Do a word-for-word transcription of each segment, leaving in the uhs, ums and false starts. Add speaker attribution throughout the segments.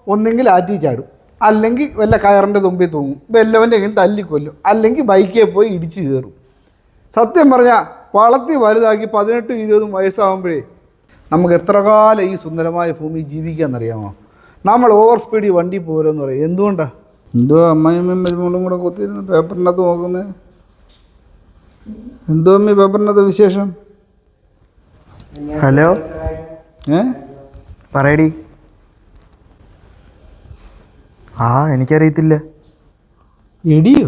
Speaker 1: ഒന്നെങ്കിൽ ആറ്റി ചാടും, അല്ലെങ്കിൽ വല്ല കയറിൻ്റെ തുമ്പിൽ തൂങ്ങും, വല്ലവൻ്റെ എങ്കിലും തല്ലിക്കൊല്ലും, അല്ലെങ്കിൽ ബൈക്കിൽ പോയി ഇടിച്ച് കയറും. സത്യം പറഞ്ഞാൽ വളർത്തി വലുതാക്കി പതിനെട്ടും ഇരുപതും വയസ്സാകുമ്പോഴേ നമുക്ക് എത്ര കാലം ഈ സുന്ദരമായ ഭൂമി ജീവിക്കാമെന്നറിയാമോ? നമ്മൾ ഓവർ സ്പീഡിൽ വണ്ടി പോരെന്ന് പറയും. എന്തുകൊണ്ടാണ്? എന്തോ അമ്മയും മരുമോളും കൂടെ കൊത്തിയിരുന്ന് പേപ്പറിനകത്ത് നോക്കുന്നത്? എന്തോ അമ്മ പേപ്പറിനകത്ത് വിശേഷം?
Speaker 2: ഹലോ,
Speaker 1: ഏ
Speaker 2: പറയടി. ആ എനിക്കറിയത്തില്ല.
Speaker 1: എടിയോ?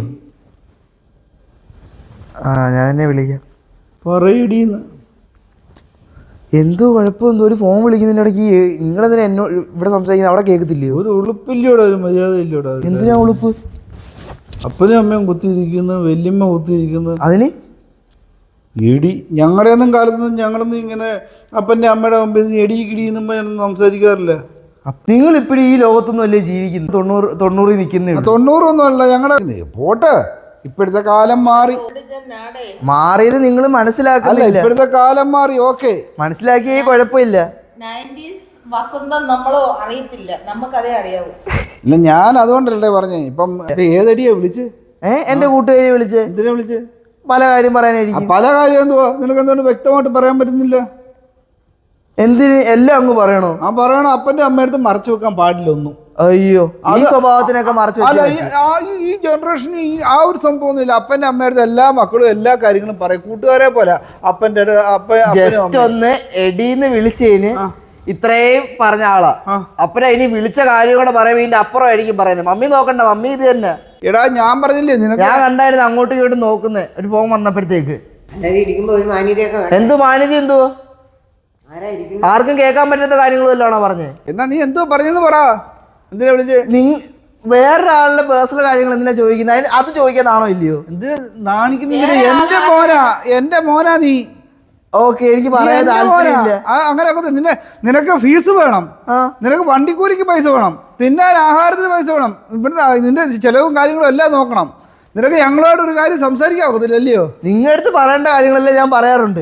Speaker 2: ആ ഞാൻ എന്നെ വിളിക്കാം.
Speaker 1: പറയടീന്ന്.
Speaker 2: എന്തോ കുഴപ്പമെന്തോ ഒരു ഫോൺ വിളിക്കുന്നതിൻ്റെ ഇടയ്ക്ക് നിങ്ങളെന്തിനാ എന്നോട് ഇവിടെ സംസാരിക്കുന്നത്? അവിടെ കേൾക്കത്തില്ലയോ?
Speaker 1: ഒരു ഉളുപ്പില്ലോടെ, ഒരു മര്യാദ ഇല്ലോടെ.
Speaker 2: എന്തിനാ ഉളുപ്പ്?
Speaker 1: അപ്പനും അമ്മയും കുത്തിയിരിക്കുന്നു, വല്യമ്മ കുത്തിയിരിക്കുന്നു.
Speaker 2: അതിന്
Speaker 1: എടി ഞങ്ങളുടെ ഒന്നും കാലത്തൊന്നും ഞങ്ങളൊന്നും ഇങ്ങനെ അപ്പൻ്റെ അമ്മയുടെ മുമ്പിൽ എടി കിടിയെന്നും സംസാരിക്കാറില്ല.
Speaker 2: നിങ്ങൾ ഇപ്പോഴും ഈ ലോകത്തൊന്നും അല്ലേ ജീവിക്കുന്നു? തൊണ്ണൂറ് തൊണ്ണൂറിൽ നിൽക്കുന്നേ.
Speaker 1: തൊണ്ണൂറൊന്നും അല്ല ഞങ്ങളുടെ. പോട്ടെ, ഇപ്പോഴത്തെ കാലം മാറി.
Speaker 2: മാറിയത് നിങ്ങൾ മനസ്സിലാക്കുന്നില്ല.
Speaker 1: ഇപ്പോഴത്തെ കാലം മാറി. ഓക്കെ,
Speaker 2: മനസ്സിലാക്കിയേ കുഴപ്പമില്ല.
Speaker 3: വസന്തം നമ്മളോ അറിയത്തില്ല, നമുക്കതേ അറിയാവൂ.
Speaker 1: ഇല്ല, ഞാൻ അതുകൊണ്ടല്ലേ പറഞ്ഞേ. ഇപ്പം ഏതടിയാ വിളിച്ച്?
Speaker 2: ഏഹ് എന്റെ കൂട്ടുകാരി വിളിച്ച്.
Speaker 1: എന്തിനാ വിളിച്ച്?
Speaker 2: പല കാര്യം പറയാനായിരിക്കും.
Speaker 1: പല കാര്യം എന്തുവാ? നിനക്ക് എന്തുകൊണ്ട് വ്യക്തമായിട്ട് പറയാൻ പറ്റുന്നില്ല?
Speaker 2: എന്തിന് എല്ലാം അങ്ങ് പറയണോ?
Speaker 1: ആ പറയണം. അപ്പൻ്റെ അമ്മയടുത്ത് മറച്ചു വെക്കാൻ പാടില്ല ഒന്നും.
Speaker 2: അയ്യോ, ഈ സ്വഭാവത്തിനൊക്കെ മറച്ചു
Speaker 1: അല്ല, ഈ ജനറേഷന് ഈ ആ ഒരു സംഭവം ഒന്നുമില്ല. അപ്പൻ്റെ അമ്മയുടെ എല്ലാ മക്കളും എല്ലാ കാര്യങ്ങളും പറയും. കൂട്ടുകാരെ പോലെ അപ്പൻ്റെ
Speaker 2: ജസ്റ്റ് ഒന്ന് എടീന്ന് വിളിച്ചതിന് ഇത്രയും പറഞ്ഞ ആളാ. അപ്പഴ ഇനി വിളിച്ച കാര്യം കൂടെ പറയാൻ വേണ്ടി അപ്പുറമായിരിക്കും പറയുന്നത്. മമ്മി നോക്കണ്ട, മമ്മി ഇത് തന്നെ.
Speaker 1: എടാ ഞാൻ പറഞ്ഞില്ലേ നിനക്ക്,
Speaker 2: ഞാൻ കണ്ടായിരുന്നു അങ്ങോട്ടും ഇങ്ങോട്ടും നോക്കുന്നത് ഒരു ഫോൺ വന്നപ്പോഴത്തേക്ക്. എന്തു മാന്യത? എന്തോ ആർക്കും കേൾക്കാൻ പറ്റാത്ത കാര്യങ്ങളും എല്ലാണോ പറഞ്ഞേ?
Speaker 1: എന്നാ നീ എന്തോ പറഞ്ഞെന്ന് പറ. എന്തിനാ വിളിച്ചേ?
Speaker 2: നിങ്ങ വേറൊരാളുടെ പേഴ്സണൽ കാര്യങ്ങൾ എന്തിനാ ചോദിക്കുന്നത്? അതിന് അത് ചോദിക്കാനാണോ ഇല്ലയോ?
Speaker 1: എന്തിനാ നാണിക്കുന്നില്ല? എന്റെ മോനാ, എന്റെ മോനാ നീ.
Speaker 2: ഓക്കെ, എനിക്ക് പറയാൻ താല്പര്യമില്ല.
Speaker 1: അങ്ങനെയൊക്കെ നിന്നെ നിനക്ക് ഫീസ് വേണം, നിനക്ക് വണ്ടിക്കൂലിക്ക് പൈസ വേണം, തിന്നാൻ ആഹാരത്തിന് പൈസ വേണം, ഇവിടുത്തെ നിന്റെ ചെലവും കാര്യങ്ങളും എല്ലാം നോക്കണം. നിനക്ക് ഞങ്ങളോട് ഒരു കാര്യം സംസാരിക്കാവത്തില്ല അല്ലയോ?
Speaker 2: നിങ്ങളുടെ അടുത്ത് പറയേണ്ട കാര്യങ്ങളെല്ലാം ഞാൻ പറയാറുണ്ട്.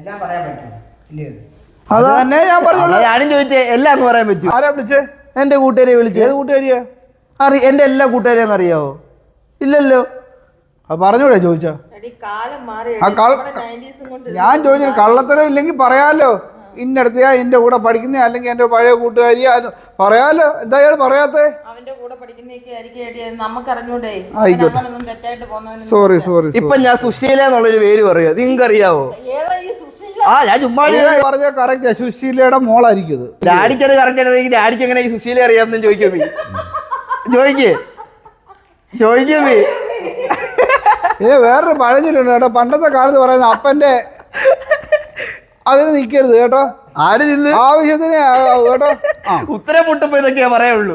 Speaker 1: അത് തന്നെ ഞാൻ പറഞ്ഞു.
Speaker 2: ഞാനും ചോദിച്ചേ എല്ലാം അങ്ങ് പറയാൻ പറ്റും.
Speaker 1: ആരാ വിളിച്ചേ?
Speaker 2: എന്റെ കൂട്ടുകാരെ വിളിച്ചേ.
Speaker 1: ഏത് കൂട്ടുകാരിയാ?
Speaker 2: അറി എന്റെ എല്ലാ കൂട്ടുകാരെയും അറിയാവോ? ഇല്ലല്ലോ.
Speaker 1: അത് പറഞ്ഞൂടെ ചോദിച്ചാ? ഞാൻ ചോദിച്ചു, കള്ളത്തരം ഇല്ലെങ്കിൽ പറയാലോ. ഇന്നടത്തെയാ എന്റെ കൂടെ പഠിക്കുന്ന, അല്ലെങ്കിൽ എന്റെ പഴയ കൂട്ടുകാരിയാ പറയാലോ. എന്തായാലും പറയാത്തേ? Sorry sorry.
Speaker 2: ഇപ്പൊ ഞാൻ സുശീല എന്നുള്ളൊരു പേര് പറയുക, നിങ്ങൾക്ക് അറിയാവോ? ആ ഞാൻ ചുമ്മാ
Speaker 1: പറഞ്ഞ കറക്റ്റ്. സുശീലയുടെ മോളായിരിക്കും.
Speaker 2: ഡാഡിക്കത് കറക്റ്റ് ആണെങ്കിൽ ഡാഡിക്ക് എങ്ങനെ ഈ സുശീല അറിയാമെന്ന് ചോദിക്കോ? ചോദിക്കേ ചോദിക്കേ
Speaker 1: ഏ വേറൊരു പഴഞ്ഞിട്ടുണ്ട് കേട്ടോ. പണ്ടത്തെ കാലത്ത് പറയുന്ന അപ്പന്റെ അതിന് നിൽക്കരുത് കേട്ടോ.
Speaker 2: ആര് നിന്ന്
Speaker 1: ആവശ്യത്തിന് കേട്ടോ.
Speaker 2: ഉത്തരം മുട്ടുമ്പോ ഇതൊക്കെയാ പറയുള്ളൂ.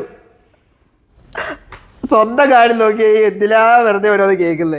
Speaker 2: സ്വന്തം കാര്യം നോക്കി എന്തിലാ വെറുതെ ഓരോന്ന് കേൾക്കുന്നേ?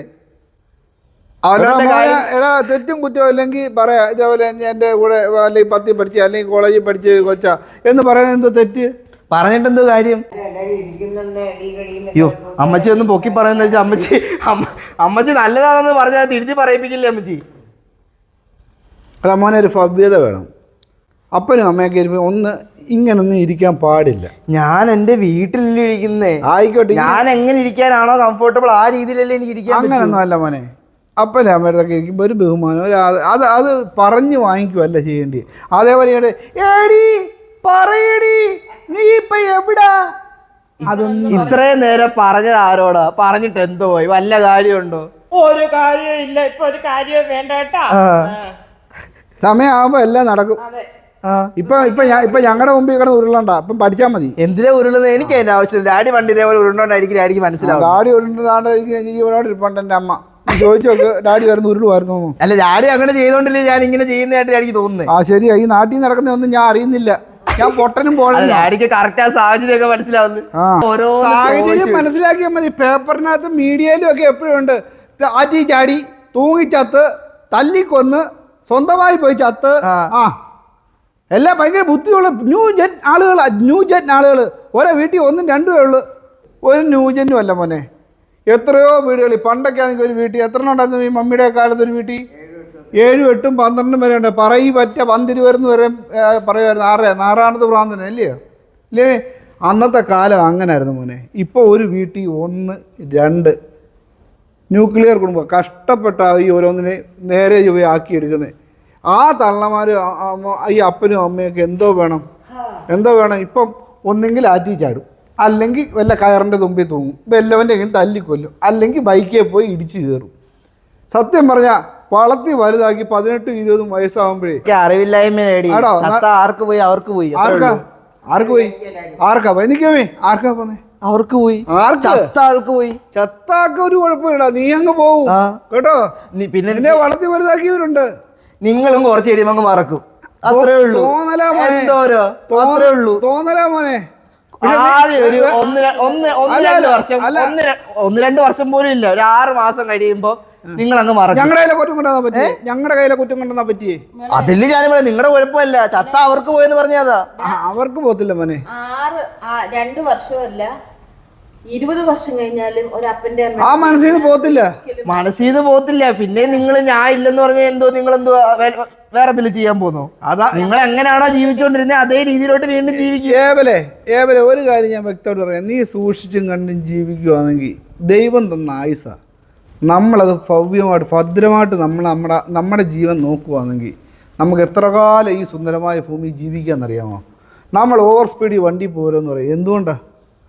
Speaker 1: എടാ തെറ്റും കുറ്റവും ഇല്ലെങ്കിൽ പറയാ. ഇതേപോലെ എന്റെ കൂടെ അല്ലെങ്കിൽ പത്തി പഠിച്ച അല്ലെങ്കിൽ കോളേജിൽ പഠിച്ച കൊച്ചാ എന്ന് പറയുന്നത് എന്തോ തെറ്റ്?
Speaker 2: പറഞ്ഞിട്ടെന്തോ കാര്യം? അയ്യോ, അമ്മച്ചി ഒന്ന് പൊക്കി പറയുന്ന വെച്ചാൽ അമ്മച്ചി അമ്മച്ചി നല്ലതാണെന്ന് പറഞ്ഞാൽ തിരുത്തി പറയിപ്പിക്കില്ലേ അമ്മച്ചി?
Speaker 1: എടാ മോനെ, ഒരു ഭവ്യത വേണം. അപ്പനും അമ്മയൊക്കെ ഇരിക്കുമ്പോൾ ഒന്ന് ഇങ്ങനൊന്നും ഇരിക്കാൻ പാടില്ല.
Speaker 2: ഞാൻ എന്റെ വീട്ടിലല്ലേ ഇരിക്കുന്നേ.
Speaker 1: ആയിക്കോട്ടെ,
Speaker 2: ഞാൻ എങ്ങനെ ഇരിക്കാനാണോ കംഫർട്ടബിൾ ആ രീതിയിലല്ലേ എനിക്ക് ഇരിക്കാൻ.
Speaker 1: അങ്ങനൊന്നും അല്ല മോനെ. അപ്പനെ അമ്മയുടെ ഇരിക്കുമ്പോൾ ഒരു ബഹുമാനം, ഒരു അത് അത് പറഞ്ഞു വാങ്ങിക്കുമല്ല ചെയ്യേണ്ടി. അതേപോലെ ഏടി പറയടി നീ ഇപ്പൊ എവിടാ?
Speaker 2: അതൊന്നും ഇത്രയും നേരം പറഞ്ഞത് ആരോടാ? പറഞ്ഞിട്ട് എന്തോ പോയി? വല്ല കാര്യമുണ്ടോ?
Speaker 3: ഒരു കാര്യവും ഇല്ല. ഇപ്പൊ ഒരു കാര്യവും വേണ്ട കേട്ടാ.
Speaker 1: സമയമാകുമ്പോ എല്ലാം നടക്കും. ഇപ്പൊ ഇപ്പൊ ഇപ്പൊ ഞങ്ങളുടെ മുമ്പിൽ കിടന്ന് ഉരുളണ്ട. ഇപ്പം പഠിച്ചാൽ മതി.
Speaker 2: എന്തിനാ ഉരുളുന്നത്? എനിക്ക് അതിന്റെ ആവശ്യമില്ല. ഡാഡി വണ്ടി ഇതേപോലെ ഉരുണ്ടോണ്ടായിരിക്കും ഡാഡിക്ക് മനസ്സിലാവും.
Speaker 1: ഡാഡി ഉരുണ്ടാണ്ടായിരിക്കും ജീവനോട് ഇരിപ്പുണ്ട് എൻ്റെ അമ്മ. ചോദിച്ചു നോക്ക്, ഡാഡി വരുന്ന ഉരുളുമായിരുന്നു.
Speaker 2: അല്ല, ഡാഡി അങ്ങനെ ചെയ്തോണ്ടില്ലേ ഞാൻ ഇങ്ങനെ ചെയ്യുന്നതായിട്ട് ഡാഡിക്ക് തോന്നുന്നത്.
Speaker 1: ആ ശരിയാ, ഈ നാട്ടിൽ നടക്കുന്നതൊന്നും ഞാൻ അറിയുന്നില്ല. ഞാൻ പൊട്ടനും പോകണം.
Speaker 2: ഡാഡിക്ക് കറക്റ്റ് ആ സാഹചര്യം ഒക്കെ മനസ്സിലാവുന്നത്. ഓരോ
Speaker 1: സാഹചര്യം മനസ്സിലാക്കിയാൽ മതി. പേപ്പറിനകത്ത് മീഡിയയിലും ഒക്കെ എപ്പോഴും ഉണ്ട്. ആറ്റി ചാടി, തൂങ്ങിച്ചത്ത്, തല്ലിക്കൊന്ന്, സ്വന്തമായി പോയി ചത്ത്. ആ എല്ലാം ഭയങ്കര ബുദ്ധിയുള്ള ന്യൂ ജെൻ ആളുകൾ. ന്യൂ ജെൻ ആളുകൾ ഓരോ വീട്ടിൽ ഒന്നും രണ്ടുമേ ഉള്ളു. ഒരു ന്യൂ ജെന്നും അല്ല മോനെ. എത്രയോ വീടുകളിൽ പണ്ടൊക്കെ ആണെങ്കിൽ ഒരു വീട്ടിൽ എത്ര ഉണ്ടായിരുന്നു ഈ മമ്മിയുടെ കാലത്ത്? ഒരു വീട്ടിൽ ഏഴും എട്ടും പന്ത്രണ്ടും വരെ ഉണ്ട്. പറയി പറ്റ പന്തിരുവരുന്ന് വരെ പറയുമായിരുന്നു. ആറ് നാറാണത് ഭ്രാന്തന അല്ലയോ? ഇല്ലേ? അന്നത്തെ കാലം അങ്ങനായിരുന്നു മോനെ. ഇപ്പോൾ ഒരു വീട്ടിൽ ഒന്ന് രണ്ട് ന്യൂക്ലിയർ കുടുംബം കഷ്ടപ്പെട്ട ഈ ഓരോന്നിനെ നേരെ ചൊവ്വ ആക്കിയെടുക്കുന്നത്. ആ തള്ളമാർ ഈ അപ്പനും അമ്മയൊക്കെ എന്തോ വേണം എന്തോ വേണം ഇപ്പം ഒന്നെങ്കിൽ ആറ്റി ചാടും, അല്ലെങ്കിൽ വല്ല കയറിൻ്റെ തുമ്പിൽ തൂങ്ങും, വല്ലവൻ്റെങ്കിലും തല്ലിക്കൊല്ലും, അല്ലെങ്കിൽ ബൈക്കിൽ പോയി ഇടിച്ചു കയറും. സത്യം പറഞ്ഞാൽ വളർത്തി വലുതാക്കി പതിനെട്ടും ഇരുപതും വയസ്സാകുമ്പോഴേ
Speaker 2: അറിവില്ലായ്മ ആർക്ക് പോയി അവർക്ക് പോയി
Speaker 1: ആർക്കാ ആർക്ക് പോയി ആർക്കാ പോയി നിൽക്കാമേ ആർക്കാ പോന്നെ
Speaker 2: അവർക്ക് പോയി ചത്ത ആൾക്ക് പോയി.
Speaker 1: ചത്താക്ക ഒരു കുഴപ്പമില്ല, നീ അങ്ങ് പോവും കേട്ടോ.
Speaker 2: പിന്നെ
Speaker 1: നിന്നെ വളർത്തി വലുതാക്കിയവരുണ്ട്.
Speaker 2: നിങ്ങളും കുറച്ച് കഴിയുമ്പോൾ അങ്ങ് മറക്കും. അത്രേ ഉള്ളൂ.
Speaker 1: തോന്നലാ മോനെ,
Speaker 2: എന്തോരോ അത്രേ ഉള്ളൂ.
Speaker 1: തോന്നലാ മോനെ.
Speaker 2: ആദ്യം ഒരു ഒന്ന് ഒന്ന് ഒന്ന് രണ്ട് വർഷം ഒന്ന് ഒന്ന് രണ്ട് വർഷം പോലും ഇല്ല, ഒരു ആറ് മാസം കഴിയുമ്പോ നിങ്ങൾ അങ്ങ് മറക്കും.
Speaker 1: ഞങ്ങളുടെ കയ്യിലെ കുറ്റം കൊണ്ടുവന്നാ പറ്റിയേ ഞങ്ങളുടെ കയ്യിലെ കുറ്റം കൊണ്ടുവന്നാ പറ്റിയേ
Speaker 2: അതില് ഞാൻ പറയാം നിങ്ങളുടെ കുഴപ്പമല്ല, ചത്ത അവർക്ക് പോയെന്ന് പറഞ്ഞതാ.
Speaker 1: അവർക്ക് പോത്തില്ല മോനെ.
Speaker 3: ആറ് രണ്ടു വർഷമല്ല ഇരുപത് വർഷം കഴിഞ്ഞാലും ഒരു അപ്പന്റെ
Speaker 1: ആ മനസ്സിൽ നിന്ന് പോത്തില്ല,
Speaker 2: മനസ്സിൽ നിന്ന് പോത്തില്ല. പിന്നെ നിങ്ങൾ ഞാൻ ഇല്ലെന്ന് പറഞ്ഞാൽ എന്തോ നിങ്ങൾ എന്തോ വേറെ എന്തെങ്കിലും ചെയ്യാൻ പോന്നോ? അതാ നിങ്ങൾ എങ്ങനെയാണോ ജീവിച്ചുകൊണ്ടിരുന്നത് അതേ രീതിയിലോട്ട് വീണ്ടും ജീവിക്കുക.
Speaker 1: ഏവലെ ഏവലെ ഒരു കാര്യം ഞാൻ വ്യക്തമായിട്ട് പറയാം, നീ സൂക്ഷിച്ചും കണ്ടും ജീവിക്കുകയാണെങ്കിൽ ദൈവം തന്ന ആയുസ നമ്മളത് ഭവ്യമായിട്ട് ഭദ്രമായിട്ട് നമ്മൾ നമ്മുടെ നമ്മുടെ ജീവൻ നോക്കുകയാണെങ്കിൽ നമുക്ക് എത്ര കാലം ഈ സുന്ദരമായ ഭൂമി ജീവിക്കാമെന്നറിയാമോ? നമ്മൾ ഓവർ സ്പീഡിൽ വണ്ടി പോരെന്ന് പറയും. എന്തുകൊണ്ടാണ്?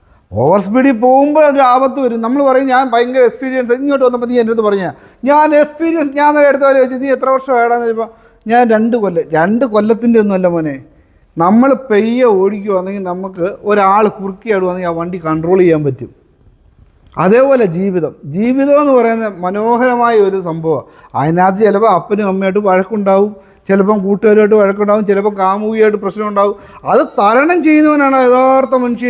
Speaker 1: ഓവർ സ്പീഡിൽ പോകുമ്പോൾ ഒരു ആപത്ത് വരും. നമ്മൾ പറയും ഞാൻ ഭയങ്കര എക്സ്പീരിയൻസ്, ഇങ്ങോട്ട് വന്നപ്പോൾ നീ എൻ്റെ അടുത്ത് പറഞ്ഞാൽ ഞാൻ എക്സ്പീരിയൻസ് ഞാൻ എടുത്ത പോലെ വെച്ച് നീ എത്ര വർഷം ഏടാന്ന് ചോദിച്ചപ്പോൾ ഞാൻ രണ്ട് കൊല്ലം രണ്ട് കൊല്ലത്തിൻ്റെ ഒന്നുമല്ല മോനെ. നമ്മൾ പെയ്യെ ഓടിക്കുകയാണെങ്കിൽ നമുക്ക് ഒരാൾ കുറുക്കിയാടുവാണെങ്കിൽ ആ വണ്ടി കൺട്രോൾ ചെയ്യാൻ പറ്റും. അതേപോലെ ജീവിതം ജീവിതം എന്ന് പറയുന്ന മനോഹരമായ ഒരു സംഭവമാണ്. അതിനകത്ത് ചിലപ്പോൾ അപ്പനും അമ്മയായിട്ട് വഴക്കുണ്ടാവും, ചിലപ്പം കൂട്ടുകാരുമായിട്ട് വഴക്കുണ്ടാവും, ചിലപ്പോൾ കാമുകിയായിട്ട് പ്രശ്നം ഉണ്ടാവും. അത് തരണം ചെയ്യുന്നവനാണ് യഥാർത്ഥ മനുഷ്യൻ,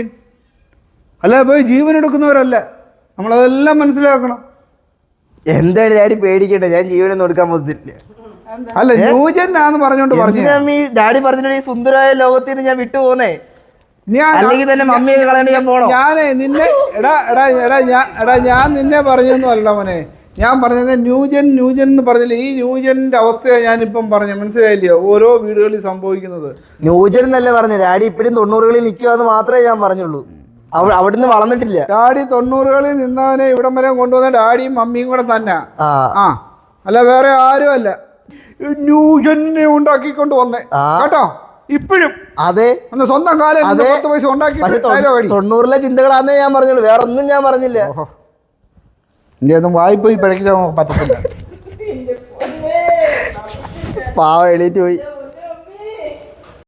Speaker 1: അല്ല പോയി ജീവൻ എടുക്കുന്നവരല്ല. നമ്മളതെല്ലാം മനസ്സിലാക്കണം.
Speaker 2: എന്തായാലും ഡാഡി പേടിക്കട്ടെ, ഞാൻ ജീവനൊന്നും എടുക്കാൻ പറ്റില്ല.
Speaker 1: അല്ല ന്യൂജനാന്ന് പറഞ്ഞോണ്ട് പറഞ്ഞു
Speaker 2: ഡാഡി പറഞ്ഞിട്ട് ഈ സുന്ദരമായ ലോകത്തിൽ നിന്ന് ഞാൻ വിട്ടു പോന്നേ.
Speaker 1: ഞാൻ
Speaker 2: അല്ലെങ്കിൽ തന്നെ മമ്മിയെ കളയാൻ ഞാൻ പോണോ?
Speaker 1: ഞാനേ നിന്നെ എടാ എടാ എടാ ഞാൻ എടാ ഞാൻ നിന്നെ പറഞ്ഞൊന്നും അല്ല മോനെ. ഞാൻ പറഞ്ഞത് ന്യൂജൻ ന്യൂജൻ എന്ന് പറഞ്ഞില്ല, ഈ ന്യൂജന്റെ അവസ്ഥയാണ് ഞാനിപ്പം പറഞ്ഞു. മനസ്സിലായില്ലയോ ഓരോ വീടുകളിൽ സംഭവിക്കുന്നത്?
Speaker 2: ന്യൂജൻ എന്നല്ലേ പറഞ്ഞു, ഡാഡി ഇപ്പോഴും തൊണ്ണൂറുകളിൽ നിൽക്കുവാന്ന് മാത്രമേ ഞാൻ പറഞ്ഞുള്ളൂ. അവിടുന്ന് വളർന്നിട്ടില്ല.
Speaker 1: ഡാഡി തൊണ്ണൂറുകളിൽ നിന്നവനെ ഇവിടം വരെ കൊണ്ടുവന്ന ഡാഡിയും മമ്മിയും കൂടെ തന്നെ. ആ അല്ല വേറെ ആരും അല്ല, ന്യൂജനെ ഉണ്ടാക്കിക്കൊണ്ട് വന്നേ കേട്ടോ. ഇപ്പോഴും
Speaker 2: അതെ
Speaker 1: സ്വന്തം കാലം പത്ത് പൈസ ഉണ്ടാക്കി
Speaker 2: തൊണ്ണൂറിലെ ചിന്തകളാന്നേ ഞാൻ പറഞ്ഞുള്ളൂ, വേറെ ഒന്നും ഞാൻ പറഞ്ഞില്ല.
Speaker 1: ഇനി ഒന്നും വായ്പോയി പിഴയ്ക്കാൻ പറ്റത്തില്ല.
Speaker 2: പാവ എണീറ്റ് പോയി.